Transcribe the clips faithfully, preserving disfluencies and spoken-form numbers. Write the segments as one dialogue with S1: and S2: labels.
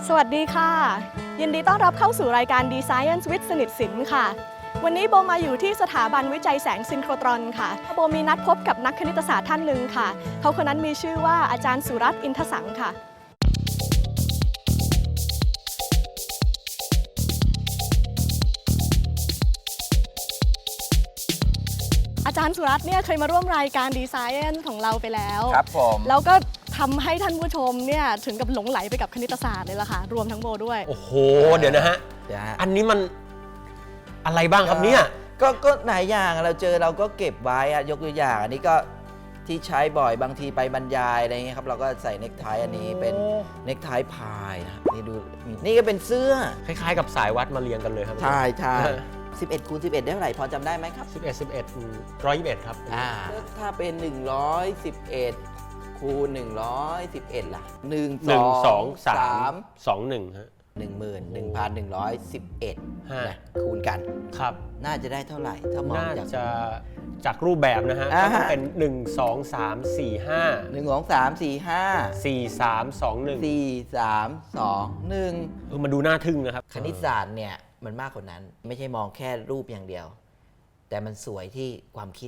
S1: สวัสดีค่ะยินดีต้อนรับเข้าสู่รายการ D-Science with สนิทสินค่ะวันนี้โบมาอยู่ที่สถาบันวิจัยแสงซินโครตรอนค่ะโบมีนัดพบกับนักคณิตศาสตร์ท่านหนึ่งค่ะเขาคนนั้นมีชื่อว่าอาจารย์สุรัตน์อินทสังค่ะอาจารย์สุรัตน์เนี่ยเคยมาร่วมรายการ D-Science ของเราไปแล้ว
S2: ครับผม
S1: แล้วก็ทำให้ท่านผู้ชมเนี่ยถึงกับหลงไหลไปกับคณิตศาสตร์เลยล่ะค่ะรวมทั้งโบด้วย
S3: โอ้โหเดี๋ยวนะฮะอันนี้มันอะไรบ้างครับเนี่ย
S2: ก็ก็หลายอย่างเราเจอเราก็เก็บไว้อะยกตัวอย่างอันนี้ก็ที่ใช้บ่อยบางทีไปบรรยายอะไรเงี้ยครับเราก็ใส่เนคไทอันนี้เป็นเนคไทพายนะนี่ดูนี่ก็เป็นเสื้อ
S3: คล้ายๆกับสายวัดมาเรียงกันเลยครับ
S2: ใช่ใช่สิบเอ็ดคูณสิบเอ็ดได้เท่าไหร่พอจำได้ไหมครับ
S3: สิบเอ็ด สิบเอ็ด หนึ่งร้อยยี่สิบเอ็ดครับ
S2: อ่าถ้าเป็นหนึ่งร้อยสิบเอ็ดคูณหนึ่งร้อยสิบเอ็ดล่ะหนึ่ง
S3: สอง สาม สอง หนึ่งฮะ
S2: หนึ่งหมื่นหนึ่งพันหนึ่งร้อยสิบเอ็ดคูณกัน
S3: ครับ
S2: น่าจะได้เท่าไหร่ถ้ามอง
S3: จากจะจากรูปแบบนะฮะก็ต้องเป็นหนึ่ง สอง สาม สี่ ห้า
S2: หนึ่ง สอง สาม สี่ ห้า
S3: สี่ สาม สอง หนึ่ง
S2: สี่ สาม สอง หนึ่ง
S3: เออมาดูน่าทึ่งนะครับ
S2: คณิตศาสตร์เนี่ยมันมากกว่านั้นไม่ใช่มองแค่รูปอย่างเดียวแต่มันสวยที่ความคิด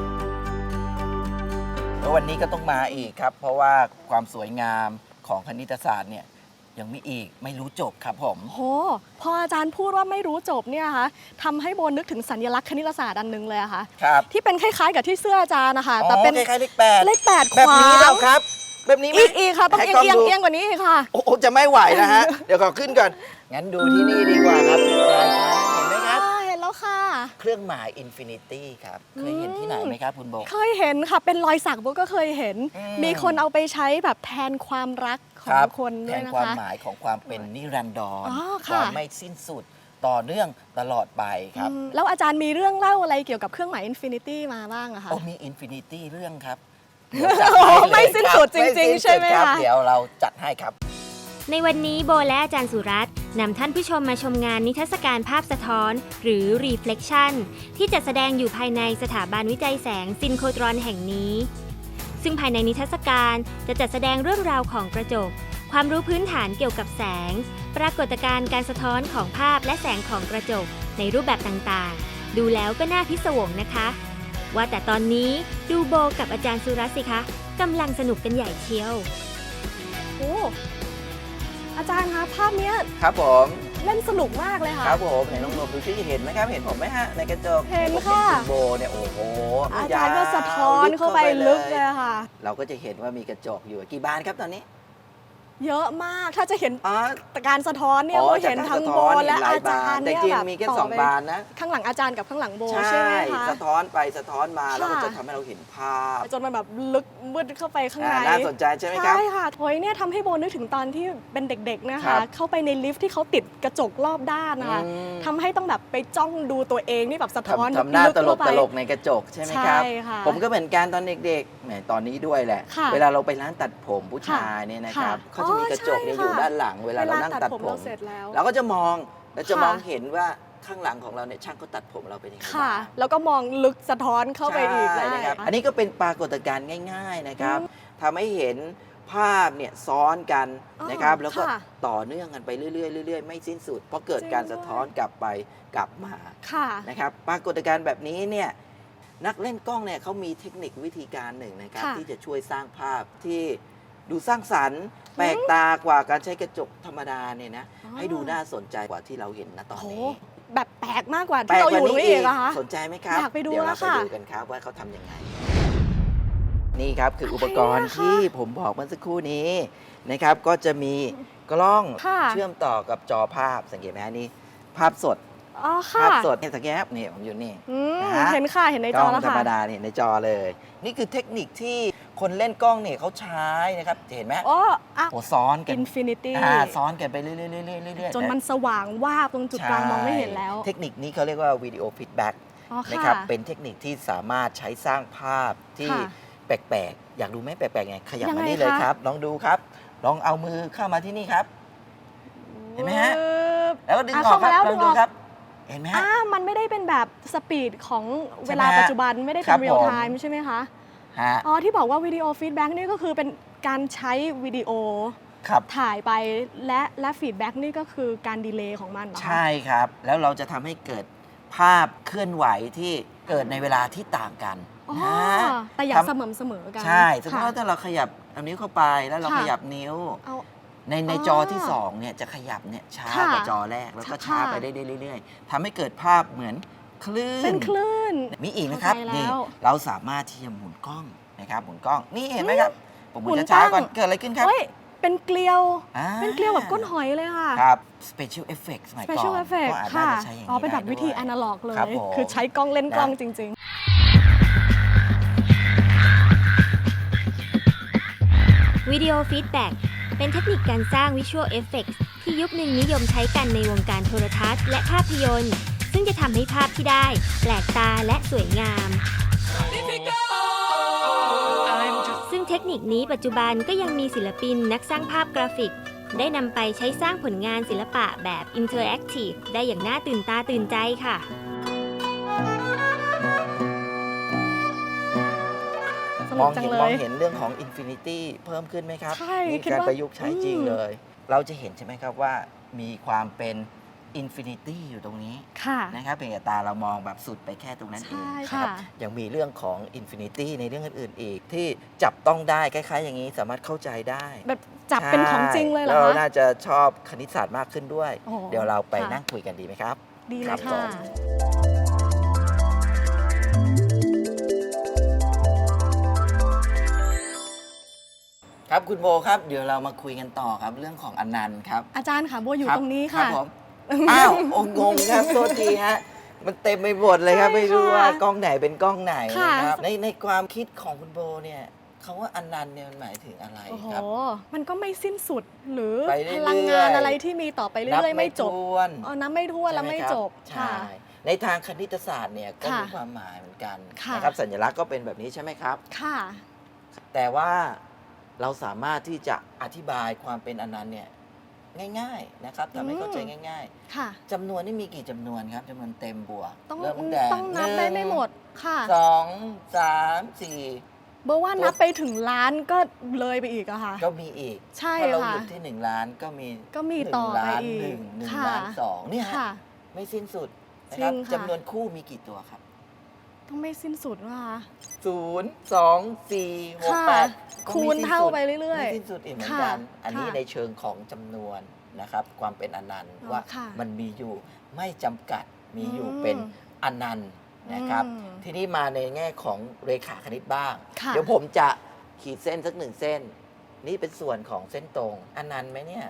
S2: แล้ววันนี้ก็ต้องมาอีกครับเพราะว่าความสวยงามของคณิตศาสตร์เนี่ยยังมีอีกไม่รู้จบครับผม
S1: โหพออาจารย์พูดว่าไม่รู้จบเนี่ยคะทำให้โบนึกถึงสัญลักษณ์คณิตศาสตร์อันนึงเลยอะค่ะ
S2: ครับ
S1: ที่เป็นคล้ายๆกับที่เสื้ออาจารย์นะคะแต่เป็น
S2: คล้ายๆเลขแปด
S1: เลขแปดขวาง
S2: แบบนี้เราครับแบบนี้
S1: อีกอีกค่ะต้องเอียงเอียงเอียงกว่านี้ค่ะ
S2: โอ้จะไม่ไหวนะฮะเดี๋ยวขอขึ้นก่อนงั้นดูที่นี่ดีกว่าครับที่ปลายฟ้าเห็นไหมครับ
S1: เห็นแล้วค่ะ
S2: เครื่องหมายอินฟินิตี้ครับเคยเห็นที่ไหนไหมครับคุณโบ
S1: เคยเห็นค่ะเป็นรอยสักโบก็เคยเห็นมีคนเอาไปใช้แบบแทนความรักของคนด้วยนะคะ
S2: แทนความหมายของความเป็นนิรันดรความไม่สิ้นสุดต่อเนื่องตลอดไปครับ
S1: แล้วอาจารย์มีเรื่องเล่าอะไรเกี่ยวกับเครื่องหมายอินฟินิตี้มาบ้างอะคะ
S2: โอ้มีอินฟินิตี้เรื่องครับ
S1: ไม่สิ้นสุดจริงๆใช่ไหมคะ
S2: เดี๋ยวเราจัดให้ครับ
S4: ในวันนี้โบและอาจารย์สุรัตน์นำท่านผู้ชมมาชมงานนิทรรศการภาพสะท้อนหรือ Reflection ที่จัดแสดงอยู่ภายในสถาบันวิจัยแสงซินโครตรอนแห่งนี้ซึ่งภายในนิทรรศการจะจัดแสดงเรื่องราวของกระจกความรู้พื้นฐานเกี่ยวกับแสงปรากฏการณ์การสะท้อนของภาพและแสงของกระจกในรูปแบบต่างๆดูแล้วก็น่าพิศวงนะคะว่าแต่ตอนนี้ดูโบกับอาจารย์สุรัตน์สิคะกำลังสนุกกันใหญ่เชียว
S1: โอ้อาจารย์คะภาพนี้
S2: ครับผม
S1: เล่นสนุกมากเลยค่ะ
S2: ครับผมไหนลองดูซิเห็นไหมครับเห็นผมไหมฮะในกระจก
S1: เห็นค่ะ
S2: คุณโบเนี่ยโอ้โห
S1: อาจารย์ก็สะท้อนเข้าไปลึกเลยค่ะ
S2: เราก็จะเห็นว่ามีกระจกอยู่กี่บานครับตอนนี้
S1: เยอะมากถ้าจะเห็นการสะท้อนเนี่ยเราเห็นทั้งโบและอาจารย์เนี่ยแบบ
S2: มีแค่สองบานนะ
S1: ข้างหลังอาจารย์กับข้างหลังโบใช่ไหมคะ
S2: สะท้อนไปสะท้อนมาแล้วก็จะทำให้เราเห็นภาพ
S1: จนมันแบบลึกมืดเข้าไปข้างใน
S2: น่าสนใจใช่ไหมครับ
S1: ใช่ค่ะโอยเนี่ยทำให้โบนึกถึงตอนที่เป็นเด็กๆนะคะเข้าไปในลิฟท์ที่เขาติดกระจกรอบด้านนะคะทำให้ต้องแบบไปจ้องดูตัวเองนี่แบบสะท้อน
S2: ทำหน้าตลกตลกในกระจกใช่ไหมครับผมก็เหมือนกันตอนเด็กๆแหมตอนนี้ด้วยแหละเวลาเราไปร้านตัดผมผู้ชายเนี่ยนะครับเขาจะมีกระจกอยู่ด้านหลังเวลาเรานั่งตัดผมเราก็จะมองเราจะมองเห็นว่าข้างหลังของเราเนี่ยช่างเขาตัดผมเราเป็นยังไง
S1: ค่ะแล้วก็มองลึกสะท้อนเข้าไปอีก
S2: นะครับอันนี้ก็เป็นปรากฏการณ์ง่ายๆนะครับทำให้เห็นภาพเนี่ยซ้อนกันนะครับแล้วก็ต่อเนื่องกันไปเรื่อยๆเรื่อยๆไม่สิ้นสุดเพราะเกิดการสะท้อนกลับไปกลับมานะครับปรากฏการณ์แบบนี้เนี่ยนักเล่นกล้องเนี่ยเขามีเทคนิควิธีการหนึ่งนะครับที่จะช่วยสร้างภาพที่ดูสร้างสรรค์แปลกตากว่าการใช้กระจกธรรมดาเนี่ยนะให้ดูน่าสนใจกว่าที่เราเห็นณตอนนี้
S1: แบบแปลกมากกว่าที่เราอยู่ตรงนี้เองนะคะ
S2: สนใจไหมครับ
S1: อยากไปดูแล้ว
S2: ค่ะเดี๋ยวเราไปดูกันครับว่าเขาทำยังไงนี่ครับคืออุปกรณ์ที่ผมบอกเมื่อสักครู่นี้นะครับก็จะมีกล้องเชื่อมต่อกับจอภาพสังเกตไหมนี่ภาพสดภาพสดเนี่ยสังเกตครับนี่ผมอยู่นี่
S1: เห็นค่ะเห็นในจอแล้วค่ะ
S2: ธรรมดาเนี่ยในจอเลยนี่คือเทคนิคที่คนเล่นกล้องเนี่ยเขาใช้นะครับเห็นไหม
S1: โอ้
S2: โหซ้อนกัน
S1: อินฟินิตี้
S2: ซ้อนกันไปเรื่อยๆเรื่อยๆ
S1: จนมันสว่างวาบตรงจุดกลางมองไม่เห็นแล้ว
S2: เทคนิคนี้เขาเรียกว่าวิดีโอฟีดแบ็กนะครับเป็นเทคนิคที่สามารถใช้สร้างภาพที่แปลกๆอยากดูไหมแปลกๆไงขยับมานี่เลยครับลองดูครับลองเอามือเข้ามาที่นี่ครับเห็นไหมฮะแล้วก็ดึงออกครับลองดูครับเห็นไหมฮะ
S1: มันไม่ได้เป็นแบบสปีดของเวลาปัจจุบันไม่ได้เป็นเรียลไทม์ใช่ไหมคะอ๋อที่บอกว่าวิดีโอฟีดแบ็กนี่ก็คือเป็นการใช้วิดีโอ
S2: ครับ
S1: ถ่ายไปและและฟีดแบ็กนี่ก็คือการดีเลย์ของมันเหรอคะ
S2: ใช่ครับ แล้วเราจะทำให้เกิดภาพเคลื่อนไหวที่เกิดในเวลาที่ต่างกัน
S1: อ๋อ
S2: นะ
S1: แต่อย่า
S2: ทำ
S1: เสมอเสมอกัน
S2: ใช่สมมติ
S1: ค่ะ
S2: ว่าถ้าเราขยับเอานิ้วเข้าไปแล้วเรา
S1: ค่ะ
S2: ขยับนิ้ว
S1: เอา
S2: ในใน
S1: อ๋อ
S2: จอที่สองเนี่ยจะขยับเนี่ยช้า
S1: ค่ะ
S2: กว่าจอแรกแล้วก็ช้า
S1: ค่ะ
S2: ไปได้เรื่อยๆทำให้เกิดภาพเหมือนคลื่น
S1: เป็นคลื่น
S2: มีอีกนะครับ
S1: เข้าใจแล้ว
S2: นี่เราสามารถที่จะหมุนกล้องนะครับหมุนกล้องนี่เห็นไหมครับผมหมุ
S1: หมุ
S2: น
S1: น
S2: ช้า
S1: ตั้ง
S2: ๆก่อนเกิดอะไรขึ้นครับ
S1: เฮ้ยเป็นเกลียว
S2: อ่า
S1: เป็นเกลียวแบบก้นหอยเลยค่ะ
S2: ครับ special effect สมัยก่อน
S1: special effect
S2: ก็อาจ
S1: ค่ะ
S2: จะใช้อย่างนี้
S1: อ๋อเป็นแบบ
S2: ได้
S1: วิธี
S2: ด้วย
S1: อนาล็อกเลย
S2: ครับผม
S1: คือใช้กล้องเล่นกล้อง
S2: นะ
S1: จริง
S4: วิดีโอฟีดแบ็กเป็นเทคนิคการสร้างวิชวลเอฟเฟกต์ที่ยุคหนึ่งนิยมใช้กันในวงการโทรทัศน์และภาพยนตร์ ซึ่งจะทำให้ภาพที่ได้แปลกตาและสวยงาม ซึ่งเทคนิคนี้ปัจจุบันก็ยังมีศิลปินนักสร้างภาพกราฟิก ได้นำไปใช้สร้างผลงานศิลปะแบบอินเทอร์แอคทีฟได้อย่างน่าตื่นตาตื่นใจค่ะ
S1: ๆ ส
S2: ม
S1: นุ
S2: อก ง
S1: จัง
S2: เห็น
S1: เล
S2: มอง
S1: ย
S2: เห็นเรื่องของ Infinity เพิ่มขึ้นไหมครับ
S1: ใช่
S2: นี่
S1: คิด
S2: การ
S1: ว่า
S2: ประยุกต์ใช้จริง
S1: อืม
S2: เลย เราจะเห็นใช่ไหมครับว่ามีความเป็น Infinity อยู่ตรงนี้
S1: ค่ะ
S2: นะครับเพียงแต่ตาเรามองแบบสุดไปแค่ตรงนั้นเอง
S1: ใช่
S2: นะ
S1: ค่ะ
S2: ครับยังมีเรื่องของ Infinity ในเรื่องอื่นๆอีก ที่จับต้องได้คล้ายๆ อย่างนี้สามารถเข้าใจได้
S1: แบบจับเป็นของจริงเลยเหรอ
S2: ใช่เรา
S1: คะ
S2: น่าจะชอบคณิตศาสตร์มากขึ้นด้วย
S1: โอ้
S2: เดี๋ยวเราไป
S1: ค่ะ
S2: นั่งคุยกันดีไหมครับ
S1: ดีเล
S2: ครั
S1: ย
S2: บ
S1: ค่ะ
S2: ผม ครับคุณโบครับ เดี๋ยวเรามาคุยกันต่อครับ เรื่องของอนันต์ครับ
S1: อาจารย์ค่ะโบอยู่
S2: คบ
S1: ตรงนี้
S2: ครั
S1: ค่ะ
S2: บผมอ้าวโอ้งงครับโทษทีฮะมันเต็มไปหมดเลยครับ
S1: ใช่
S2: ไม่รู้ว่า
S1: ค่ะ
S2: กล้องไหนเป็นกล้องไหน
S1: ค่ะ
S2: นะครับในในความคิดของคุณโบเนี่ยคำว่าอนันต์เนี่ยมันหมายถึงอะไร
S1: โอ้โห
S2: ครับ
S1: มันก็ไม่สิ้นสุด หรือ
S2: ไปเรื่อยๆ
S1: พลังงานอะไรที่มีต่อไปเรื่อยๆ ไม่จบ
S2: ถ้วน
S1: อ๋อน้ำไม่ทั่วนแล้ว
S2: ใช่ห
S1: ไม่
S2: ครับ
S1: จบ
S2: ใช่
S1: ค่ะ
S2: ในทางคณิตศาสตร์เนี่ยก็
S1: ค่ะ
S2: มีความหมายเหมือนกัน
S1: ค่ะ
S2: นะครับสัญลักษณ์ก็เป็นแบบนี้ใช่ไหมครับ
S1: ค่ะ
S2: แต่ว่าเราสามารถที่จะอธิบายความเป็นอนันต์เนี่ยง่ายๆนะครับทำให้เข้าใจง่าย
S1: ค่ะ
S2: ๆจำนวนนี่มีกี่จำนวนครับจำนวนเต็มบวก
S1: ต้อง
S2: เริ่มตั้งแต่
S1: ต้องนับได้ไม่หมดค่ะ
S2: สองสามสี่
S1: เบอร์ว่านับไปถึงล้านก็เลยไปอีกอะค่ะ
S2: ก็มีอีก
S1: ใช่
S2: ถ้าเรา
S1: ค่ะ
S2: หยุดที่หนึ่งล้านก็มี
S1: ก็มี
S2: หนึ่ง
S1: ต่อไป
S2: ล้าน
S1: อี
S2: ห
S1: ก
S2: นึ่งหนึ่ง
S1: ค่ะ
S2: ล้านสองเนี่ยฮะ
S1: ค่ะ
S2: ไม่สิ้นสุดนะครับ
S1: จริงค่ะ
S2: จำนวนคู่มีกี่ตัวครับ
S1: ต้องไม่สิ้นสุดว่ะ
S2: ศูนย์สองสี่หก
S1: ค่ะ
S2: แปดก็
S1: คู
S2: ไม่
S1: ณ
S2: สิ้น
S1: เท่า
S2: สุด
S1: ไปเรื่อยๆ
S2: ไม่สิ้นสุดอีกเหมือนกัน
S1: ค่ะ
S2: อันนี้
S1: ค่ะ
S2: ในเชิงของจำนวนนะครับ ความเป็นอนันต์
S1: อ๋อ
S2: ว่า
S1: ค่ะ
S2: มันมีอยู่ไม่จำกัดมีอยู่
S1: อืม
S2: เป็นอนันต์นะครับ
S1: อืม
S2: ทีนี้มาในแง่ของเรขาคณิตบ้าง
S1: ค่ะ
S2: เดี๋ยวผมจะขีดเส้นสักหนึ่งเส้น นี่เป็นส่วนของเส้นตรงอนันต์ไหมเนี่ย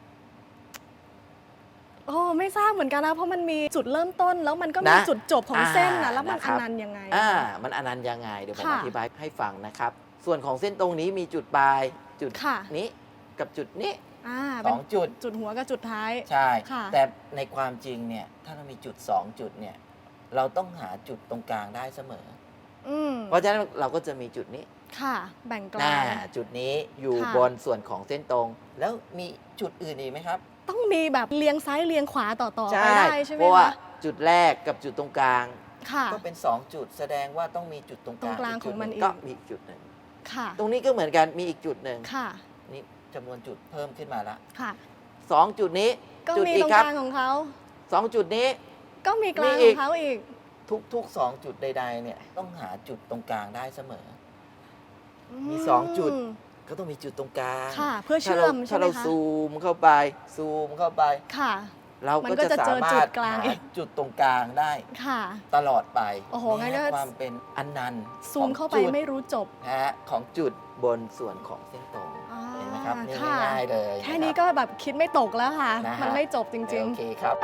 S1: โอ้ไม่ทราบเหมือนกันนะ เพราะมันมีจุดเริ่มต้น แล้วมันก็มี
S2: นะ
S1: จุดจบของเส้นนะ
S2: อ่า
S1: แล้วมัน
S2: นะค
S1: อ
S2: รับ
S1: นันต์ยังไง
S2: อ่ามันอนันต์ยังไงเดี๋ยวผม
S1: ค่ะ
S2: อธิบายให้ฟังนะครับ ส่วนของเส้นตรงนี้มีจุดปลายจุด
S1: ค่ะ
S2: นี้กับจุดนี้
S1: อ่า
S2: ส
S1: เป็น
S2: องจุด
S1: จุดหัวกับจุดท้าย
S2: ใช่
S1: ค่ะ
S2: แต่ในความจริงเนี่ย ถ้าเรามีจุด สอง จุดเนี่ย เราต้องหาจุดตรงกลางได้เสมอ
S1: อืม
S2: เพราะฉะนั้นเราก็จะมีจุดนี้
S1: ค่ะ แบ่งก
S2: หน้า
S1: ลาง
S2: จุดนี้อยู่
S1: ค่ะ
S2: บนส่วนของเส้นตรง แล้วมีจุดอื่นอีกไหมครับ
S1: ต้องมีแบบเรียงซ้ายเรียงขวาต่อต่อไป
S2: ใช่
S1: ได้ใช่ไหม
S2: เพราะว่า
S1: คะ
S2: จุดแรกกับจุดตรงกลาง
S1: ค่ะ
S2: ก็เป็น สอง จุด แสดงว่าต้องมีจุดตรงกลาง
S1: ตรงกลาง
S2: จุด
S1: ของมัน
S2: ห
S1: อีก
S2: ก็มีอีกจุดหนึ่ง
S1: ค่ะ
S2: ตรงนี้ก็เหมือนกันมีอีกจุดหนึ่ง
S1: ค่ะ
S2: นี่จำนวนจุดเพิ่มขึ้นมาละ
S1: ค่ะ
S2: สองจุดนี้
S1: ก็
S2: จุด
S1: มี
S2: อี
S1: ต
S2: ก
S1: รง
S2: ครั
S1: ก
S2: บ
S1: ลางของเขา
S2: สองจุดนี้
S1: ก็มีกลาง
S2: มี
S1: ข
S2: อี
S1: อก งเขาอีก
S2: ทุกๆสองจุดใด ๆ เนี่ยต้องหาจุดตรงกลางได้เสมอ มี
S1: ม
S2: สองจุด ก็ต้องมีจุดตรงกลาง
S1: ค่ะ เพื่อ
S2: ถ้า
S1: เชื่
S2: เรา
S1: อมใช่
S2: ถ้า
S1: ไหม
S2: เรา
S1: คะ
S2: ซูมเข้าไป ซูมเข้าไป
S1: ค่ะ
S2: เรา
S1: มัน
S2: ก็
S1: ก็
S2: จะ
S1: จะเจ
S2: สา
S1: อ
S2: มา
S1: จุ
S2: ร
S1: ด
S2: ถ
S1: กลาง
S2: หา
S1: อีก
S2: จุดตรงกลางได้
S1: ค่ะ
S2: ตลอดไป
S1: โอ้โหงั้
S2: นี่
S1: นก็
S2: ความเป็นอนันต์
S1: ซูมเข้าไป
S2: ของจุด
S1: ไม่รู้จบ
S2: นะฮะของจุดบนส่วนของเส้นตรง
S1: อ่า
S2: เห็นไหมครับนี่
S1: ค่ะ
S2: ง่ายๆเลย
S1: แค่
S2: ะรับ
S1: นี้ก็แบบคิดไม่ตกแล้วค่ะ
S2: นะฮะ
S1: มันไม่จบจริง
S2: โอเคครับ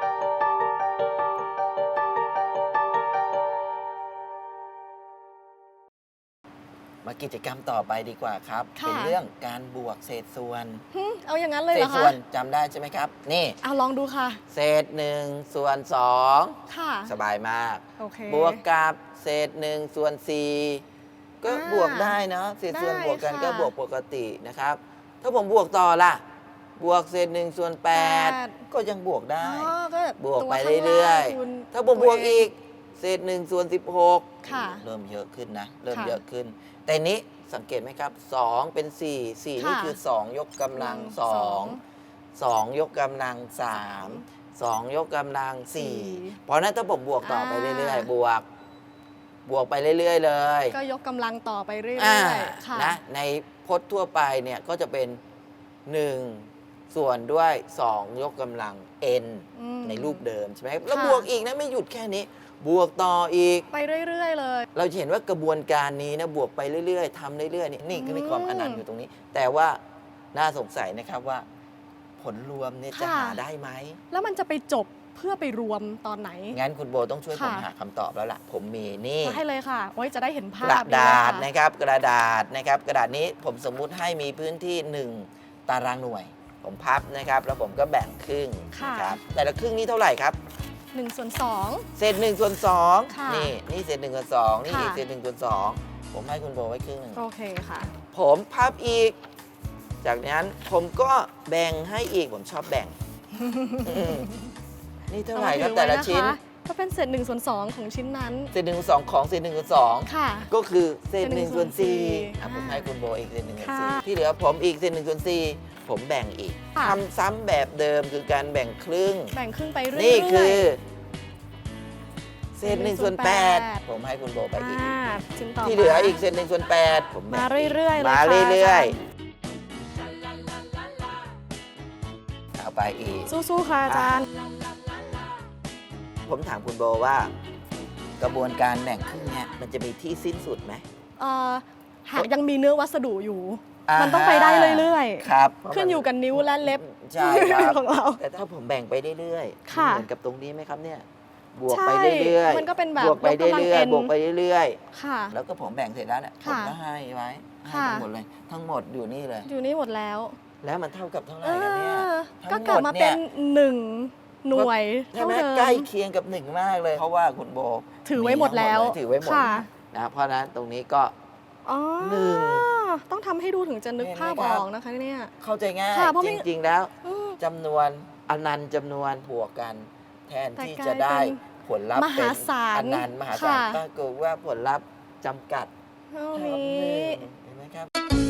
S2: มากิจกรรมต่อไปดีกว่าครับ
S1: ค่ะ
S2: เป็นเรื่องการบวกเศษส่วน
S1: ๆหึเอาอย่างนั้นเลย
S2: เศ
S1: เหร
S2: ษ
S1: อ
S2: ส่
S1: คะ
S2: วนจำได้ใช่ไหมครับ นี่
S1: เอาลองดูค่ะ
S2: เศษหนึ่งส่วนสอง
S1: ค่ะ
S2: สบายมาก
S1: โอเค
S2: บวกกับเศษหนึ่งส่วนสี่ก็
S1: อ่า
S2: บวกได้เนาะเศษส่วน
S1: ได้
S2: บวกกัน
S1: ค่ะ
S2: ก็บวกปกตินะครับ ถ้าผมบวกต่อล่ะ บวกเศษหนึ่งส่วนแปด
S1: แปด
S2: ก็ยังบวกได้
S1: อ๋อก็
S2: บวก
S1: ตัว
S2: ไป
S1: ข้าง
S2: เรื่อย
S1: ล่างคูณ
S2: ๆ ถ้าผมบวก
S1: ตัวเง
S2: อีก เศษหนึ่งส่วนสิบหก
S1: ค่ะ
S2: เริ่มเยอะขึ้นนะ เริ่ม
S1: ค่ะ
S2: เยอะขึ้น แต่นี้สังเกตไหมครับสองเป็นสี่ สี่นี่
S1: ค่ะ
S2: คือสองยกกำลังส
S1: ส
S2: อ
S1: อง ง
S2: สองยกกำลังสามสองยกกำลังสี่
S1: สี่
S2: เพราะฉะนั้นถ้าผมบวกต่อไป
S1: อ่า
S2: เรื่อยๆ บวก บวกไปเรื่อยๆเลย
S1: ก็ยกกำลังต่อไปเรื่อ
S2: อ่าย
S1: ๆค่ะ
S2: นะในพจน์ทั่วไปเนี่ยก็จะเป็น หนึ่ง ส่วนด้วย สอง ยกกำลัง n
S1: อืม
S2: ในรูปเดิมใช่ไหมแล้ว
S1: ค่ะ
S2: บวกอีกนะไม่หยุดแค่นี้ บวกต่ออีก
S1: ไปเรื่อยๆเลย
S2: เราจะเห็นว่ากระบวนการนี้นะบวกไปเรื่อยๆทำเรื่อยๆนี่นี่คือมีความ
S1: อืม
S2: อนันต์อยู่ตรงนี้ แต่ว่าน่าสงสัยนะครับว่า ผลรวมเนี่ยจะ
S1: ค่ะ
S2: หาได้ไหม
S1: แล้วมันจะไปจบเพื่อไปรวมตอนไหน
S2: งั้นคุณโบต้องช่วยผม
S1: ค่ะ
S2: หาคำตอบแล้วล่ะ ผมมีนี่
S1: มาให้เลยค่ะไว้จะได้เห็นภาก พ
S2: ระดาษ
S1: นี่เลย
S2: นะครับ กระดาษนะครับ กระดาษนี้ผมสมมุติให้มีพื้นที่ หนึ่ง ตารางหน่วย ผมพับนะครับ แล้วผมก็แบ่งครึ่ง
S1: ค่ะ
S2: นะครับแต่ละครึ่งนี้เท่าไหร่ครับ
S1: หนึ่งส่วนสอง
S2: เศษหนึ่งส่วนสอง
S1: ค่ะ
S2: นี่นี่เศษหนึ่งส่วนสองนี่
S1: ค่ะ
S2: อีกเศษหนึ่งส่วนสองผมให้คุณโบไว้ครึ่งหนึ่ง
S1: โอเคค่ะ
S2: ผมพับอีก จากนั้นผมก็แบ่งให้อีก ผมชอบแบ่ง อืมนี่เท่าไหร่ครับ
S1: อม
S2: แต่ละ
S1: ถือไว้
S2: ชิ้น
S1: คก็เป็นเศษหนึ่งส่วนสองของชิ้นนั้น
S2: เศษหนึ่งส่วนสองของเศษหนึ่งส่วนสอง
S1: ค่ะ
S2: ก็คือเศษ
S1: เศษ
S2: ห
S1: หนึ่
S2: นึ่ง
S1: ง
S2: ส่วนสี่
S1: ส่วนสี่
S2: อ่ะผม
S1: อ่า
S2: ให้คุณโบอีกเศษหนึ่งส่วน
S1: ค่ะ
S2: สี่ที่เหลือผมอีกเศษหนึ่งส่วนสี่ผมแบ่งอีก
S1: ค่ะ
S2: ทำซ้ำแบบเดิมคือการแบ่งครึ่ง
S1: แบ่งครึ่งไปเรื่อยๆ
S2: นี่คือเศษหนึ่ง
S1: หนึ่งส่
S2: ส่
S1: ว
S2: วน น
S1: แป
S2: แป
S1: ด
S2: ดผมให้คุณโบไปอีก
S1: อ่าชิ้นต่อ
S2: ที่เหลือ
S1: มา
S2: อีกเศษหนึ่งส่วนแปดผมแบ่ง
S1: มา
S2: อีก
S1: เรื่อยๆเลย
S2: มา
S1: ค่ะ
S2: เรื่อย
S1: อาจารย์
S2: ๆเอาไปอีก
S1: สู้ๆค่ะอาจารย์
S2: ผมถามคุณโบว่า กระบวนการแบ่งครึ่งเนี่ยมันจะมีที่สิ้นสุดไหม
S1: เอ่อหากยังมีเนื้อวัสดุอยู่
S2: า
S1: มันต้องไปได้เรื่อยๆ
S2: ครับ
S1: ขึ้นอยู่กับนิ้วและเล็บ
S2: ใช่ครับ
S1: ของเรา
S2: แต่ถ้าผมแบ่งไปเรื่อยๆ
S1: ค่ะ
S2: เหมือนกับตรงนี้ไหมครับเนี่ย บวก
S1: ใช่
S2: ไปเรื่อยๆ
S1: มันก็เป็นแบบ
S2: บวกไป
S1: ยกกำลัง
S2: เรื่อย
S1: N
S2: ๆบวกไปเรื่อย
S1: ค่ะ
S2: ๆ แล้วก็ผมแบ่งเสร็จแล้วเนี่ยผม
S1: ค่ะ
S2: ก็ให้ไว้ให้
S1: ค่ะ
S2: ทั้งหมดเลย ทั้งหมดอยู่นี่เลย
S1: อยู่นี่หมดแล้ว
S2: แล้วมันเท่ากับเท่าไหร่
S1: เอ
S2: กันเนี่ย
S1: อ
S2: ทั้ง
S1: ก็กลับ
S2: หม
S1: มา
S2: ดเนี่
S1: เป็
S2: ย
S1: นหนึ่งหน่วย
S2: ใช่
S1: เท่า
S2: ไหม
S1: เดิม
S2: ใกล้เคียงกับหนึ่งมากเลย เพราะว่าคุณโบ
S1: ถือไว้หมดแล้ว
S2: ทั้งเยถือไว้หมด
S1: ค่ะ
S2: นะเพราะฉะนั้นตรงนี้ก็
S1: อ๋อ
S2: หนึ่ง
S1: ต้องทำให้ดูถึงจะนึก
S2: เห็นไหม
S1: ภาพ
S2: ครั
S1: อบ อกนะคะเนี่ย
S2: เข้าใจง่าย
S1: ค่ะเพราะไม่
S2: จริง ๆ แล้ว
S1: อืม
S2: จำนวนอนันต์จำนวนบวกกัน แทน
S1: แต่
S2: ที่
S1: กลาย
S2: จะได้
S1: เป็น
S2: ผลลัพธ์
S1: มหาศาล
S2: เป็นอนันต์มหาศาล
S1: ค่ะ
S2: ปรากฏว่าผลลัพธ์จำกัด
S1: เท่า
S2: เท่ากับ
S1: นี้
S2: หนึ่งเห็นไหมครับ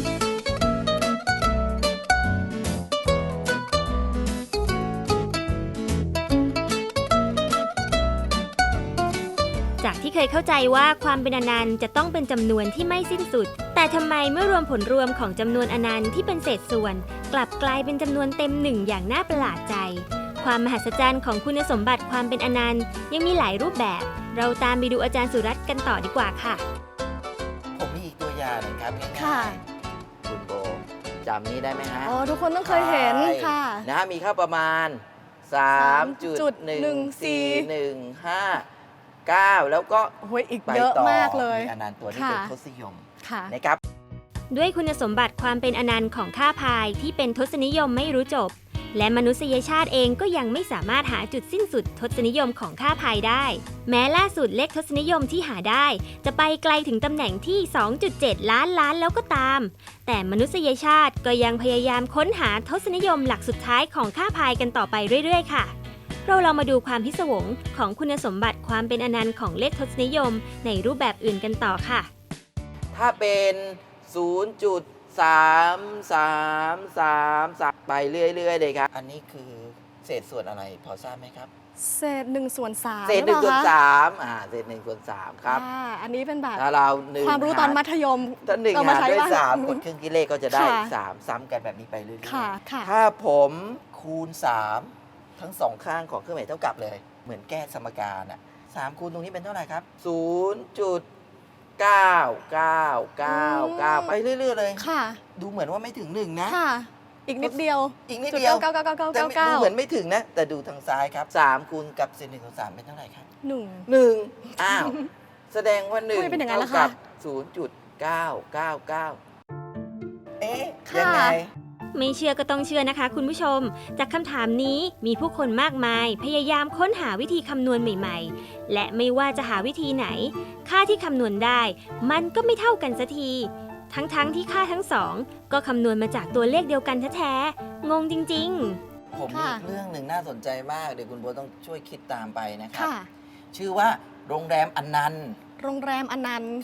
S4: จากที่เคยเข้าใจว่าความเป็นอนันต์จะต้องเป็นจำนวนที่ไม่สิ้นสุด แต่ทำไมเมื่อรวมผลรวมของจำนวนอนันต์ที่เป็นเศษส่วน กลับกลายเป็นจำนวนเต็มหนึ่งอย่างน่าประหลาดใจ ความมหัศจรรย์ของคุณสมบัติความเป็นอนันต์ยังมีหลายรูปแบบ เราตามไปดูอาจารย์สุรัตน์กันต่อดีกว่าค่ะ
S2: ผมมีอีกตัวอย่างหนึงครับง่าย
S1: ค่ะ
S2: ๆคุณโบจำนี้ได้ไหมฮะ
S1: อ๋อทุกคนต้องเคยเห็น
S2: ใช่
S1: ค่ะ
S2: นะมีค่าประมาณ สามจุดหนึ่งสี่ หนึ่งห้าเก้า แล้วก็
S1: โอ้ยอีก
S2: ไป
S1: เยอะ
S2: ต่อ
S1: มากเลย
S2: มีอนันต์ตัวนี้
S1: ค่ะ
S2: เป็นทศนิยม
S1: ค่ะ
S2: นะครับ
S4: ด้วยคุณสมบัติความเป็นอนันต์ของค่าพายที่เป็นทศนิยมไม่รู้จบ และมนุษยชาติเองก็ยังไม่สามารถหาจุดสิ้นสุดทศนิยมของค่าพายได้ แม้ล่าสุดเลขทศนิยมที่หาได้ จะไปไกลถึงตำแหน่งที่ สองจุดเจ็ด ล้านล้านแล้วก็ตาม แต่มนุษยชาติก็ยังพยายามค้นหาทศนิยมหลักสุดท้ายของค่าพายกันต่อไปเรื่อยๆ ค่ะ เราลองมาดูความพิศวงของคุณสมบัติความเป็นอนันต์ของเลขทศนิยมในรูปแบบอื่นกันต่อค่ะ
S2: ถ้าเป็น ศูนย์จุดสาม สาม สาม สาม ไปเรื่อยๆเลยครับ อันนี้คือเศษส่วนอะไรพอทราบไหมครับ
S1: เศษหนึ่งส่วนสาม
S2: เศษหนึ่ง
S1: รือ
S2: ส่วน
S1: ปล่คะ
S2: สามอ่าเศษหนึ่งส่วนสามครับ
S1: อ่าอันนี้เป็นแบบ
S2: ถ้าเราหนึ่ง
S1: ความรู้ตอนมัธยม
S2: ถ้าหนึ่ง
S1: เอามา
S2: หาร
S1: ใช้
S2: ด้วย
S1: บ้าง
S2: สามกดครึ่งกิเลขก็จะได้
S1: ค่ะ
S2: สามซ้ำกันแบบนี้ไปเรื่อย
S1: ค่ะค่ะ
S2: ๆถ้าผมคูณสามทั้งสองข้างของเครื่องหมายเท่ากับเลย เหมือนแก้สมการอ่ะสามคูณตรงนี้เป็นเท่าไหร่ครับ ศูนย์จุดเก้า เก้า เก้า เก้า ไปเรื่อยๆเลย
S1: ค่ะ
S2: ดูเหมือนว่าไม่ถึงหนึ่งนะ
S1: ค่ะ อีกนิดเดียว
S2: อีกนิด
S1: จุด
S2: เดียว
S1: เก้าเก้าเก้าเก้า
S2: แต่
S1: เก้า
S2: ไม่
S1: เก้า
S2: ดูเหมือนไม่ถึงนะ แต่ดูทางซ้ายครับสามคูณกับเศษหนึ่งส่วนสามเป็นเท่าไหร่ครับ
S1: หนึ่ง
S2: หนึ่งอ้าว แสดงว่าหนึ่ง
S1: ทำไมเป็นอย่างนั้นล่ะ
S2: เท่า
S1: คะ
S2: กับศูนย์จุดเก้าเก้าเก้าเอ๊ะ
S1: ค่ะ
S2: ยังไง
S4: ไม่เชื่อก็ต้องเชื่อนะคะคุณผู้ชม จากคำถามนี้มีผู้คนมากมาย พยายามค้นหาวิธีคำนวณใหม่ๆ และไม่ว่าจะหาวิธีไหน ค่าที่คำนวณได้ มันก็ไม่เท่ากันสักที ทั้งๆที่ค่าทั้งสอง ก็คำนวณมาจากตัวเลขเดียวกันแท้ๆ งงจริงๆ
S2: ผมมี
S1: ค่ะ
S2: อีกเรื่องหนึ่งน่าสนใจมาก เดี๋ยวคุณโบต้องช่วยคิดตามไปนะครับ
S1: ค่ะ
S2: ชื่อว่าโรงแรมอนันต์
S1: โรงแรมอนันต์
S2: ครับ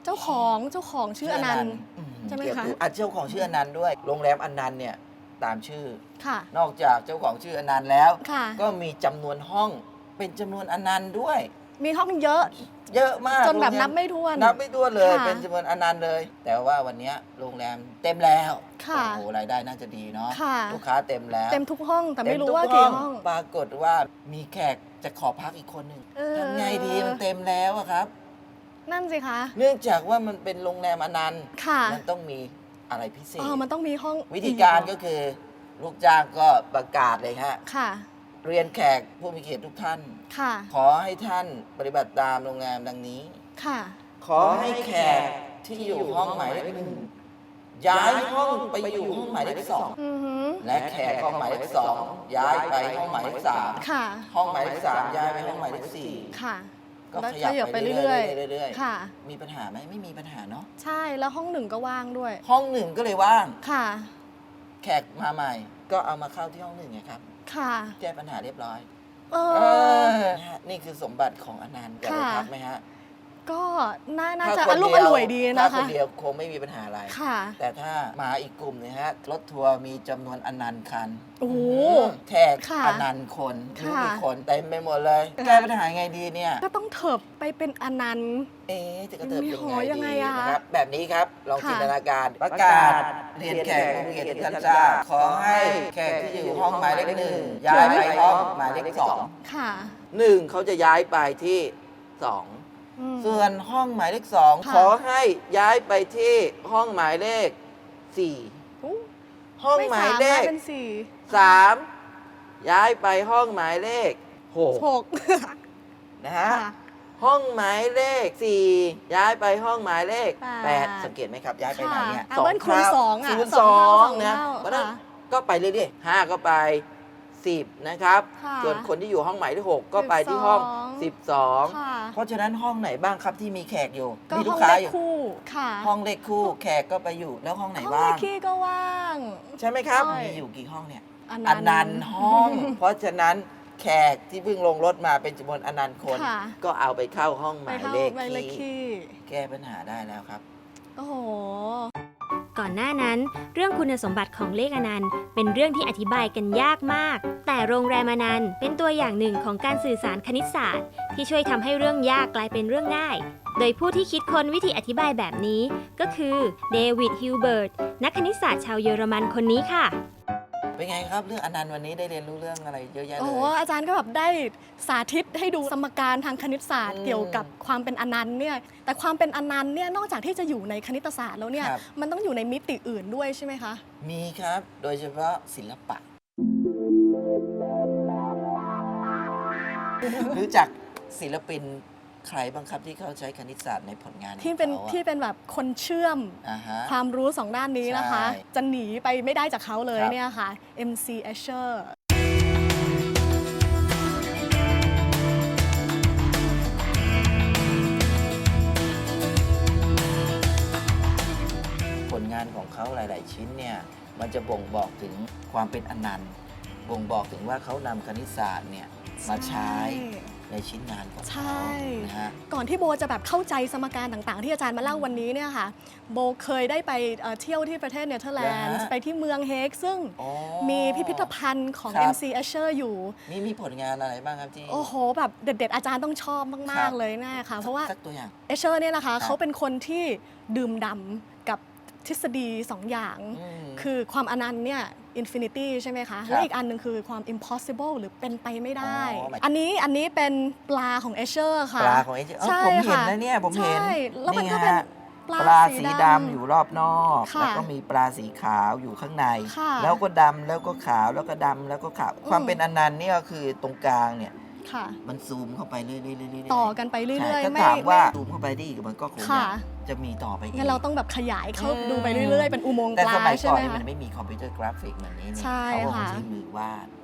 S1: เจ้าของเจ้าของชื่ออนันต์
S2: อืม
S1: ใช่ไหมคะ
S2: เกี่ยวกับอ่ะเจ้าของชื่ออนันต์ด้วย โรงแรมอนันต์เนี่ยตามชื่อ
S1: ค่ะ
S2: นอกจากเจ้าของชื่ออนันต์แล้ว
S1: ค่ะ
S2: ก็มีจำนวนห้องเป็นจำนวนอนันต์ด้วย
S1: มีห้องเยอะ
S2: เยอะมาก
S1: จนแบบ
S2: โรงร
S1: นับไม่ถ้วน
S2: นับไม่ถ้วนเลย
S1: ค่ะ
S2: เป็นจำนวนอนันต์เลย แต่ว่าวันเนี้ยโรงแรมเต็มแล้ว
S1: ค่ะ
S2: โอ้โหรายได้น่าจะดีเนาะ
S1: ค่ะ
S2: ลูกค้าเต็มแล้ว
S1: เต็มทุกห้องแต่ไม่รู้
S2: เต็ทุ
S1: ว่ากี่ห้อง
S2: ปรากฏว่ามีแขกจะขอพักอีกคนหนึ่ง
S1: เออ
S2: ทำไงดีมันเต็มแล้วอะครับ
S1: นั่นสิคะ
S2: เนื่องจากว่ามันเป็นโรงแรมอนันต์
S1: ค่ะ
S2: มันต้องมีอะไรพิเศษ
S1: อ๋อมันต้องมีห้อง
S2: วิธีการ
S1: อี
S2: ก็คือ ลูกจ้างก็ประกาศเลยฮะ
S1: ค่ะ
S2: เรียนแขกผู้มีเกียรติทุกท่าน
S1: ค่ะ
S2: ขอให้ท่านปฏิบัติตามโรงแรมดังนี้
S1: ค่ะ
S2: ขอให้แขกที่อยู่ห้องหมายเลขหนึ่งย้ายห้องไปอยู่ห้องหมายเลขสอง
S1: อือหือ
S2: และแขกห้องหมายเลขสองย้ายไปห้องหมายเลขสาม
S1: ค่ะ
S2: ห้องหมายเลขสามย้ายไปห้องหมายเลขสี่
S1: ค่ะ
S2: ก็
S1: แล้ว
S2: ข
S1: ข
S2: ยั
S1: ยั
S2: บบ ไป
S1: ไป
S2: เรื่
S1: เรื่
S2: อ
S1: อย
S2: ยๆเรื่อย
S1: ๆ ค่ะ
S2: ๆมีปัญหาไหมไม่มีปัญหาเนาะ
S1: ใช่แล้วห้องหนึ่งก็ว่างด้วย
S2: ห้องหนึ่งก็เลยว่าง
S1: ค่ะ
S2: แขกมาใหม่ ก็เอามาเข้าที่ห้องหนึ่งไงครับ
S1: ค่ะ
S2: แก้ปัญหาเรียบร้อย
S1: เอ
S2: เอ
S1: อ
S2: อนะฮะนี่คือสมบัติของอนันต์อยากไป
S1: ค่ะ
S2: พักไหมฮะ
S1: ก็น่าน่า
S2: ถ้
S1: จะ
S2: ค
S1: อน ารมณ์อร่วยดี
S2: ถ้า
S1: นะ
S2: ค
S1: คะ
S2: นเดียวคงไม่มีปัญหาอะไร
S1: ค่ะ
S2: แต่ถ้ามาอีกกลุ่มหนึงฮะรถทัวร์มีจำนวนอนันต์คัน
S1: โอ้โห
S2: แขก
S1: ค่ะ
S2: อนันต์คนไม่รู้
S1: ค่ะ
S2: กี่คนเต็มไปหมดเลย
S1: ค่ะ
S2: แก้ปัญหาไงดีเนี่ย
S1: ก็ต้องเถิบไปเป็นอนันต์
S2: เอ๊ะจะกระเติบยัง
S1: โอ้
S2: ไง
S1: โหยังไง
S2: ดี
S1: อะ
S2: นะครับ แบบนี้ครับ ลอง
S1: ค่ะ
S2: จินตนาการ ประกาศเรียนแขกผู้มีเกียรติทุกท่านทราบขอให้แขกที่อยู่ห้องหมายเลขหนึ่งย้ายไปห้องหมายเลขสอง
S1: ค่ะ
S2: หนึ่งเขาจะย้ายไปที่สอง
S1: อืม
S2: ส่วนห้องหมายเลขสอง
S1: ค่ะ
S2: ขอให้ย้ายไปที่ห้องหมายเลขสี่
S1: อู้
S2: ห้อง
S1: ไม่
S2: หมาย
S1: สาม
S2: เล
S1: นะ
S2: ข
S1: เป็นสี่
S2: สามย้ายไปห้องหมายเลขหก
S1: หก
S2: นะฮะ
S1: ค่ะ
S2: ห้องหมายเลขสี่ย้ายไปห้องหมายเลข
S1: แปด
S2: แปดสังเกตไหมครับ ย้ายไปไหนเนี่ย
S1: ค่ะอ่ะเบิ้ลคูณสองอ่ะ
S2: คูณ
S1: ส
S2: ส
S1: อ
S2: อง ง
S1: เท่าสอง
S2: นะ
S1: เท่า
S2: เพราะฉะนั้น
S1: ค่ะ
S2: ก็ไปเรื่อยๆห้าก็ไปสิบนะครับ
S1: ค่ะ
S2: ส่วนคนที่อยู่ห้องหมายเลขหกก็ไปที่ห้องสิบสอง
S1: ค่ะ
S2: เพราะฉะนั้นห้องไหนบ้างครับที่มีแขกอยู่
S1: ก็
S2: มีลู
S1: ห้อก ง
S2: ค้า
S1: เลข
S2: อยู่
S1: คู่ค่ะ
S2: ห้องเลขคู่แขกก็ไปอยู่แล้วห้องไหน
S1: ห้อง
S2: ว่าง
S1: เลขคี่ก็ว่าง
S2: ใช่ไหมครับ
S1: ใช่
S2: มีอยู่กี่ห้องเนี่ย
S1: อ
S2: อนันต์ห้อง เพราะฉะนั้นแขกที่เพิ่งลงรถมาเป็นจำนวนอนันต์คน
S1: ค่ะ
S2: ก็เอาไปเข้าห้องห
S1: ไป
S2: มาย
S1: เข้า
S2: เลข
S1: ไปเลข
S2: ที่
S1: คี่
S2: แก้ปัญหาได้แล้วครับ
S1: โอ้โห
S4: ก่อนหน้านั้น เรื่องคุณสมบัติของเลขอนันต์เป็นเรื่องที่อธิบายกันยากมาก แต่โรงแรมอนันต์เป็นตัวอย่างหนึ่งของการสื่อสารคณิตศาสตร์ ที่ช่วยทำให้เรื่องยากกลายเป็นเรื่องง่าย โดยผู้ที่คิดค้นวิธีอธิบายแบบนี้ ก็คือเดวิดฮิลเบิร์ตนักคณิตศาสตร์ชาวเยอรมันคนนี้ค่ะ
S2: เป็นไงครับเรื่องอนันต์วันนี้ได้เรียนรู้เรื่องอะไรเยอะแยะเล
S1: โอ้
S2: ย
S1: โหอาจารย์ก็แบบได้สาธิตให้ดูสมการทางคณิตศาสตร์
S2: อืม
S1: เกี่ยวกับความเป็นอนันต์เนี่ยแต่ความเป็นอนันต์เนี่ยนอกจากที่จะอยู่ในคณิตศาสตร์แล้วเนี่ย
S2: ครับ
S1: มันต้องอยู่ในมิติอื่นด้วยใช่ไหมคะ
S2: มีครับ โดยเฉพาะศิลปะ รู้จักศิลปินใครบ้างครับที่เขาใช้คณิตศาสตร์ในผลงานของ
S1: ที่เป็น
S2: ขาอะ
S1: ที่เป็นแบบคนเชื่อม
S2: อ่าฮะ
S1: ความรู้สองด้านนี้นะคะ
S2: ใช่
S1: จะหนีไปไม่ได้จากเขาเลย
S2: ครับ
S1: เนี่ยค่ะ เอ็ม ซี Escher
S2: ผลงานของเขาหลาย ๆ ชิ้นเนี่ยมันจะบ่งบอกถึงความเป็นอนันต์บ่งบอกถึงว่าเขานำคณิตศาสตร์เนี่ยมาใช้ในชิ้นงานของ
S1: ใช่
S2: เขานะฮะ
S1: ก่อนที่โบจะแบบเข้าใจสมการต่างๆ ที่อาจารย์มาเล่าวันนี้เนี่ยค่ะ โบเคยได้ไปเอ่อเที่ยวที่ประเทศเนเธอร์แลนด์
S2: เหรอฮะ
S1: ไปที่เมืองเฮกซึ่ง
S2: อ๋อ
S1: มีพิพิธภัณฑ์ของ
S2: ครับ
S1: เอ็ม ซี Escher อยู่
S2: มีมีผลงานอะไรบ้างครับที่
S1: โอ้โห แบบเด็ด ๆ อาจารย์ต้องชอบ
S2: ครั
S1: มาก
S2: บ
S1: ๆ เลยแน่ค่ะ เพราะว่า
S2: สักตัวอย่าง
S1: เอเชอร์เนี่ยนะคะ
S2: ครับ
S1: เขาเป็นคนที่ดื่มด่ำกับทฤษฎีสองอย่าง
S2: อืม
S1: คือความอนันต์เนี่ยอินฟินิตี้ใช่ไหมคะ
S2: ครับ
S1: และอีกอันหนึ่งคือความ impossible หรือเป็นไปไม่ได้
S2: อ๋อหมาย
S1: อันนี้อันนี้เป็นปลาของเอเชอร์ค่ะ
S2: ปลาของเอเจ
S1: ใช่
S2: ผมเห็น
S1: ค่ะ
S2: นะเนี่ยผมเห็น
S1: ใช่แล้วมันก็เป็น
S2: ไงฮะ
S1: ปลา
S2: ปลา
S1: สี
S2: สี
S1: ดำ
S2: ดำอยู่รอบนอก
S1: ค่ะ
S2: แล้วก็มีปลาสีขาวอยู่ข้างใน
S1: ค่ะ
S2: แล้วก็ดำแล้วก็ขาวแล้วก็ดำแล้วก็ขาว ความเป็นอนันต์เนี่ยก็คือตรงกลางเนี่ย
S1: ค่ะ
S2: มันซูมเข้าไปเรื่อยๆเรื่อยๆ
S1: ต่อกันไปเรื่
S2: ใช่
S1: อย
S2: ถ้า
S1: ๆ ไม่
S2: ถามว่า
S1: ไม่
S2: ซูมเข้าไปได้อีกมันก็คง
S1: ค่ะ
S2: จะมีต่อไปอีก
S1: งั้นเราต้องแบบขยายเข้า
S2: อืม
S1: ดูไปเรื่อยๆ เป็นอุโมงค์
S2: แต่
S1: ปลา
S2: สมัย
S1: ใช่
S2: ก่อน
S1: ไหม
S2: นี่
S1: คะ
S2: มันไม่มีคอมพิวเตอร์กราฟิกเหมือนนี้นี่
S1: ใช่
S2: เขาก็คง
S1: ค่ะ
S2: ใช้มือวาด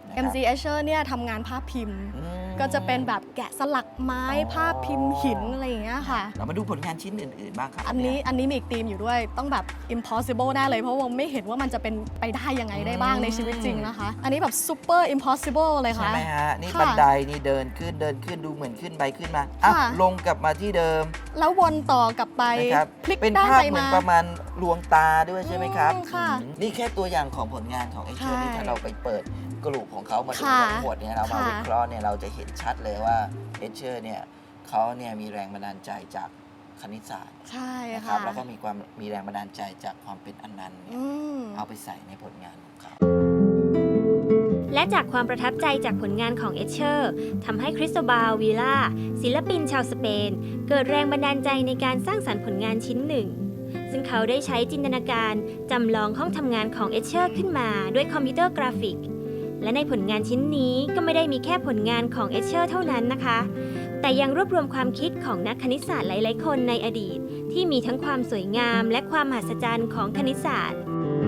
S2: นะค
S1: เอ็ม
S2: รับ
S1: จี Escher เนี่ยทำงานภาพพิมพ์
S2: อืม
S1: ก็จะเป็นแบบแกะสลักไม้
S2: อ๋อ
S1: ภาพพิมพ์หินอะไรอย่างเงี้ยค่ะ
S2: เรามาดูผลงานชิ้นอื่น ๆ บ้างครับ
S1: อันนี้
S2: เย
S1: อันนี้มีอีกธีมอยู่ด้วยต้องแบบ impossible แน่เลยเพราะว่าไม่เห็นว่ามันจะเป็นไปได้ยังไงได้บ้างในชีวิตจริงนะคะ อันนี้แบบ super impossible เลย
S2: ใช่
S1: ค่ะ
S2: ไหมฮะ นี่
S1: ค่ะ
S2: บันไดนี่เดินขึ้นเดินขึ้นดูเหมือนขึ้นไปขึ้นมาอ่ะ
S1: ค่ะ
S2: ลงกลับมาที่เดิม
S1: แล้ววนต่อกลับไป
S2: นะครับ
S1: พลิก
S2: เป็น
S1: ด้าน
S2: ภาพ
S1: ไป
S2: เหมือ
S1: มา
S2: นประมาณลวงตาด้วยใช่ไหมครับ
S1: อืมค่ะ
S2: อืมนี่แค่ตัวอย่างของผลงานของเอเชอร์
S1: ใช่
S2: ที่ถ้าเราไปเปิดกลุ่มของเขามาดู
S1: ค่ะ
S2: ทั้งหมดเนี่ยเรามา
S1: ค่ะ
S2: วิเคราะห์เนี่ยเราจะเห็นชัดเลยว่าเอเชอร์เนี่ยเขาเนี่ยมีแรงบันดาลใจจากคณิตศาสตร์
S1: ใช่
S2: นะครับ
S1: ค่ะ
S2: แล้วก็มีความมีแรงบันดาลใจจากความเป็นอนันต์เนี่ย
S1: อืม
S2: เอาไปใส่ในผลงานของเขา
S4: และจากความประทับใจจากผลงานของเอชเชอร์ทำให้คริสโตบาลวีล่าศิลปินชาวสเปน เกิดแรงบันดาลใจในการสร้างสรรค์ผลงานชิ้นหนึ่ง ซึ่งเขาได้ใช้จินตนาการจำลองห้องทำงานของเอชเชอร์ขึ้นมาด้วยคอมพิวเตอร์กราฟิก และในผลงานชิ้นนี้ก็ไม่ได้มีแค่ผลงานของเอชเชอร์เท่านั้นนะคะ แต่ยังรวบรวมความคิดของนักคณิตศาสตร์หลาย ๆ คนในอดีต ที่มีทั้งความสวยงามและความมหัศจรรย์ของคณิตศาสตร์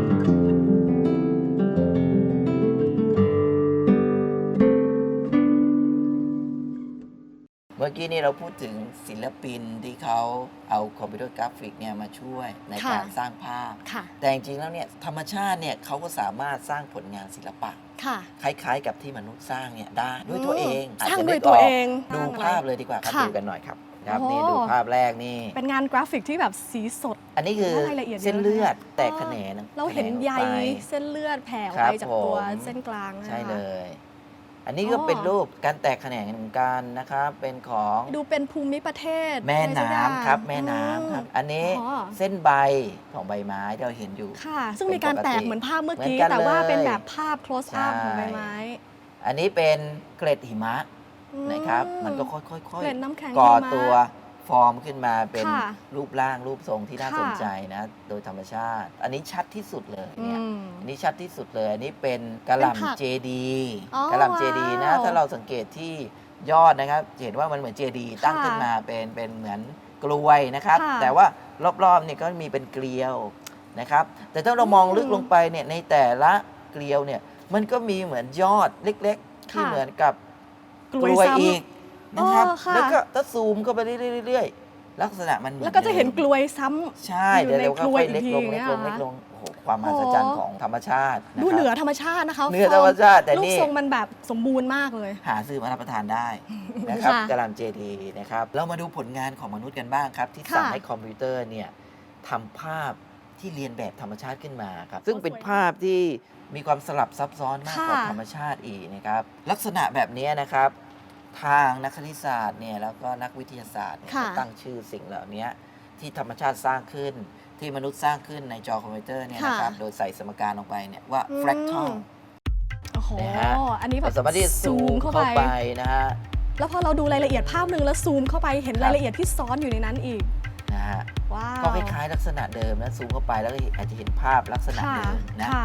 S2: เมื่อกี้นี่เราพูดถึงศิลปินที่เขาเอาคอมพิวเตอร์กราฟิกเนี่ยมาช่วยใน
S1: ค่ะ
S2: การสร้างภาพ
S1: ค่ะ
S2: แต่จริงๆแล้วเนี่ยธรรมชาติเนี่ยเขาก็สามารถสร้างผลงานศิลปะ
S1: ค่ะ
S2: คล้ายๆ กับที่มนุษย์สร้างเนี่ยได้ด้วยตัวเอง
S1: สร้าง
S2: อจจะ
S1: ด้วย
S2: นึก
S1: ตัว
S2: ก
S1: เอง
S2: ดู
S1: สร้างอะไร
S2: ภาพเลยดีกว่าครับ
S1: ค่ะ
S2: ดูกันหน่อยครับครับ
S1: โอ้
S2: นี่ดูภาพแรกนี่
S1: เป็นงานกราฟิกที่แบบสีสด
S2: อันนี้คือ
S1: รายละเอียดเยอะ
S2: เส้นเลือดแตกแขนง
S1: เราเห็น
S2: แขงออก
S1: ใย
S2: ไป
S1: เส้นเลือดแผ่ออก
S2: ครับ
S1: ไปจากตัว
S2: ผม
S1: เส้นกลางนะคะ
S2: ใช่เลย อันนี้ก็
S1: อ๋อ
S2: เป็นรูปการแตกแขนงเหมือนกันนะครับ เป็นของ
S1: ดูเป็นภูมิประเทศ
S2: แม่
S1: อะไรสักอย่าง
S2: น้ำครับแม่น้ำครับ
S1: อืม
S2: อันนี้
S1: อ๋อ
S2: เส้นใบของใบไม้ที่เราเห็นอยู่
S1: ค่ะ ซึ่งมีการแตกเหมือนภาพเมื่อกี้
S2: เหมือนกัน
S1: แต่ว่า
S2: เลย
S1: เป็นแบบภาพ close up
S2: ใช่
S1: ของใบไม้
S2: อันนี้เป็นเกล็ดหิมะ
S1: อื
S2: นะครับ มันก็ค่อยๆ
S1: เกล็ดน้ำแข็ง
S2: ก่อ
S1: หิมะ
S2: ตัวฟอร์มขึ้นมาเป็น
S1: ค่ะ
S2: รูปร่างรูปทรงที่น่า
S1: ค่ะ
S2: สนใจนะ โดยธรรมชาติ อันนี้ชัดที่สุดเลย
S1: อื
S2: เนี่ย
S1: ม
S2: อันนี้ชัดที่สุดเลย อันนี้เป็นกระห
S1: เป็นผัก
S2: ล่ำเจดี
S1: อ๋อก
S2: ระหล่ำเจดีนะ
S1: ว้าว
S2: ถ้าเราสังเกตที่ยอดนะครับจะเห็นว่ามันเหมือนเจดีตั้ง
S1: ค่ะ
S2: ขึ้นมาเป็นเป็นเหมือนกลวยนะครับ
S1: ค่ะ
S2: แต่ว่ารอบๆเนี่ยก็มีเป็นเกลียวนะครับ แต่ถ้าเรามองลึกลงไปเนี่ยในแต่ละเกลียวเนี่ยมันก็มีเหมือนยอดเล็กๆ ที่
S1: ค่ะ
S2: เหมือนกับ
S1: กลวยซ้ำ
S2: อีกนะครับ
S1: อ๋อค่ะ
S2: แล้วก็ถ้าซูมเข้าไปเรื่อยๆ ลักษณะมันมือ
S1: แล้วก็จะเห็นก
S2: ดิม
S1: ลวยซ้ำ
S2: ใช่
S1: อยู่
S2: เดี๋ยว
S1: ใน
S2: เราก็
S1: กลวย
S2: ค่อยเล็กลง
S1: อีกที
S2: เล็กลง
S1: เนี่ย
S2: เล็กลงโอ้โหความมหัศจรรย์ของธรรมชาติะ
S1: ดู
S2: ครับ
S1: เหนือธรรมชาตินะคะ
S2: เหนือธรรมชาติแต่
S1: รูป
S2: นี่
S1: ทรงมันแบบสมบูรณ์มากเลย
S2: หาซื้อมารับประทานได้นะครับ
S1: ค่ะ
S2: กะหล่ำเจดีนะครับเรามาดูผลงานของมนุษย์กันบ้างครับ ที่
S1: ค่ะ
S2: สั่งให้คอมพิวเตอร์เนี่ยทำภาพที่เรียนแบบธรรมชาติขึ้นมาครับซึ่งเป็นภาพที่มีความสลับซับซ้อนมากกว่า
S1: ค่ะ
S2: ธรรมชาติอีกนะครับลักษณะแบบนี้นะครับ ทางนักคณิตศาสตร์เนี่ยแล้วก็นักวิทยาศาสตร์เนี่ย
S1: ค่ะ
S2: เขาตั้งชื่อสิ่งเหล่านี้ที่ธรรมชาติสร้างขึ้น ที่มนุษย์สร้างขึ้นในจอคอมพิวเตอร์เนี่ยนะครับโดยใส่สมการลงไปเนี่ยว่า
S1: อืม
S2: fractal
S1: โอ้โห
S2: นะฮะ
S1: อันนี้แบ
S2: เรา
S1: บ
S2: สามารถที่จะซูมเข้าไปนะฮะ
S1: แล้วพอเราดูรายละเอียดภาพหนึ่งแล้วซูมเข้าไปเห็น
S2: ครับ
S1: รายละเอียดที่ซ้อนอยู่ในนั้นอีก
S2: นะฮะ
S1: ว้าว
S2: ก็คล้ายๆลักษณะเดิมนะซูมเข้าไปแล้วก็อาจจะเห็นภาพลักษณะ
S1: ค่ะ
S2: เดิมนะ
S1: ค่ะ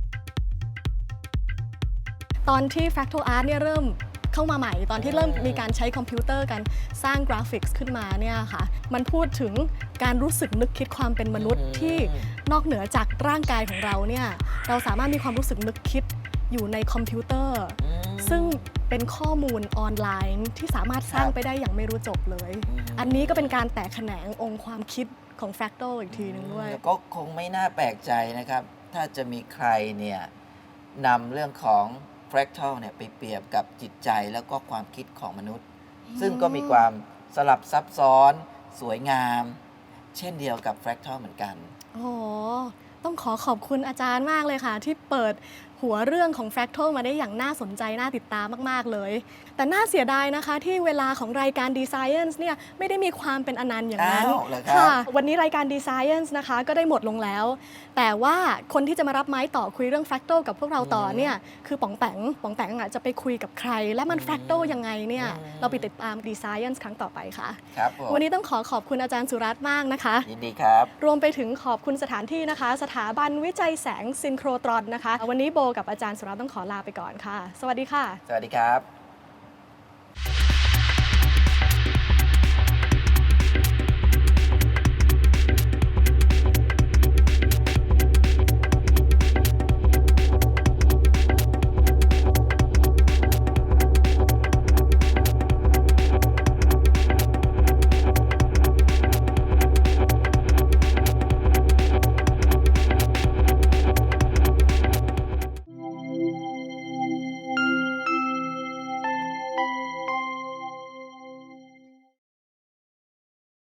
S1: ตอนที่ Fractal Art เนี่ยเริ่มเข้ามาใหม่ ตอนที่เริ่มมีการใช้คอมพิวเตอร์กันสร้างกราฟิกส์ขึ้นมาเนี่ยค่ะ มันพูดถึงการรู้สึกนึกคิดความเป็นมนุษย์
S2: อืม
S1: ที่นอกเหนือจากร่างกายของเราเนี่ย เราสามารถมีความรู้สึกนึกคิดอยู่ในคอมพิวเตอร์
S2: อืม
S1: ซึ่งเป็นข้อมูลออนไลน์ที่สามารถสร้าง
S2: ครับ
S1: ไปได้อย่างไม่รู้จบเลย
S2: อืม
S1: อันนี้ก็เป็นการแตกแขนงองค์ความคิดของ Fractal อีกทีหนึงด้วย
S2: แล้วก็คงไม่น่าแปลกใจนะครับ ถ้าจะมีใครเนี่ยนำเรื่องของ fractal เนี่ยไปเปรียบกับจิตใจแล้วก็ความคิดของมนุษย์ ซึ่งก็มีความสลับซับซ้อน สวยงาม เช่นเดียวกับ fractal เหมือนกัน
S1: โอ้โห ต้องขอขอบคุณอาจารย์มากเลยค่ะ ที่เปิดหัวเรื่องของ Fractal มาได้อย่างน่าสนใจ น่าติดตามมาก ๆ เลย แต่น่าเสียดายนะคะที่เวลาของรายการ D-Science เนี่ยไม่ได้มีความเป็นอนันต์อย่างนั้น
S2: อ้าวเหรอครับ
S1: ค่ะ วันนี้รายการ D-Science นะคะก็ได้หมดลงแล้ว แต่ว่าคนที่จะมารับไม้ต่อคุยเรื่อง Fractal กับพวกเราต่อเนี่ยคือป๋องแปงป๋องแปงอ่ะจะไปคุยกับใคร และมัน Fractal ยังไงเนี่ยเราไปติดตาม D-Science ครั้งต่อไปค่ะ
S2: ครับผม
S1: วันนี้ต้องขอขอบคุณอาจารย์สุรัตน์มากนะคะ
S2: ยินดีครับ
S1: รวมไปถึงขอบคุณสถานที่นะคะ สถาบันวิจัยแสงซินโครตรอนนะคะ วันนี้โบกับอาจารย์สุรัตน์ต้องขอลาไปก่อนค่ะ สวัสดีค่ะ
S2: สวัสดีครับ